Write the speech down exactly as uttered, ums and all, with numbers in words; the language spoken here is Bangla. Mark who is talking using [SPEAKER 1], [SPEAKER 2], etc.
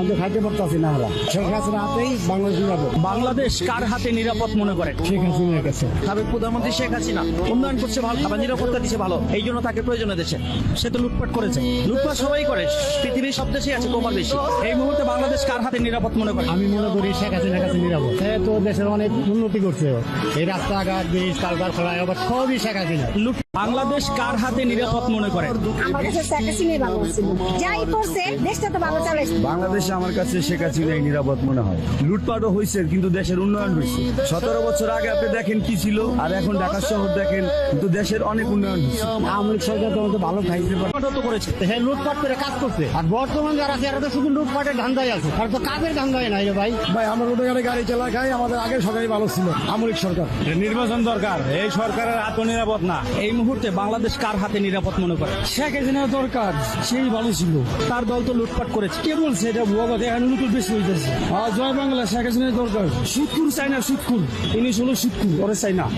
[SPEAKER 1] মধ্যে খাইতে পারতাছি না আমরা। শেখ হাসিনার হাতেই বাংলাদেশ নিরাপদ।
[SPEAKER 2] বাংলাদেশ কার হাতে নিরাপদ মনে করে?
[SPEAKER 1] শেখ হাসিনার কাছে।
[SPEAKER 2] সাবেক প্রধানমন্ত্রী শেখ হাসিনা উন্নয়ন করছে ভালো, আবার নিরাপত্তা দিচ্ছে ভালো, এই জন্য তাকে প্রয়োজনে দেশে। সে তো লুটপাট করেছে, লুটপাট সবাই করে, পৃথিবীর সব দেশেই আছে কমার বেশি। এই মুহূর্তে বাংলাদেশ কার হাতে নিরাপদ মনে করে?
[SPEAKER 1] আমি মনে করি শেখ হাসিনার কাছে নিরাপদ। সে তো দেশের অনেক উন্নতি করছে, এই রাস্তাঘাট, ব্রিজ, কালকারখানা, আবার সবই শেখ হাসিনা।
[SPEAKER 2] লুট বাংলাদেশ কার হাতে নিরাপদ মনে করে?
[SPEAKER 3] আমার কাছে শেখ হাসিনাই ভালো ছিল, যাই করছে দেশটা তো ভালো চালাইছে।
[SPEAKER 4] বাংলাদেশে আমার কাছে শেখ হাসিনাই নিরাপদ মনে হয়। লুটপাটও হয়েছে কিন্তু দেশের উন্নয়ন হয়েছে। সতেরো বছর আগে আপনি দেখেন কি ছিল, আর এখন ঢাকা শহর দেখেন, কিন্তু দেশের অনেক উন্নয়ন হয়েছে।
[SPEAKER 1] আওয়ামী লীগ সরকার তো আমাদের ভালো খাইতে পারে,
[SPEAKER 2] লুটপাটও তো করেছে।
[SPEAKER 1] সে লুটপাট করে কাজ করছে। আর বর্তমান যারা আছে এরা তো শুধু লুটপাটের ধান্দায় আছে, আর তো কাজের ধান্দায় নাই রে ভাই। ভাই আমরা রোডে গাড়ি চালা খাই, আমাদের আগের সরকারই ভালো ছিল, আওয়ামী লীগ সরকার।
[SPEAKER 2] নির্বাচন দরকার, এই সরকারের আত্মনিরাপদ না। এই মুহূর্তে বাংলাদেশ কার হাতে নিরাপদ মনে করে?
[SPEAKER 1] শেখ হাসিনা দরকার, সেই ভালো ছিল।
[SPEAKER 2] তার দল তো লুটপাট করেছে।
[SPEAKER 1] কে বলছে এটা ভুয়া কথা? এখন নতুন বেশি হইতেছে। জয় বাংলা, শেখ হাসিনা দরকার। সুৎকুর চাই না, সুৎকুর। ইনি হলো সুৎকুর, ওরে চাই না।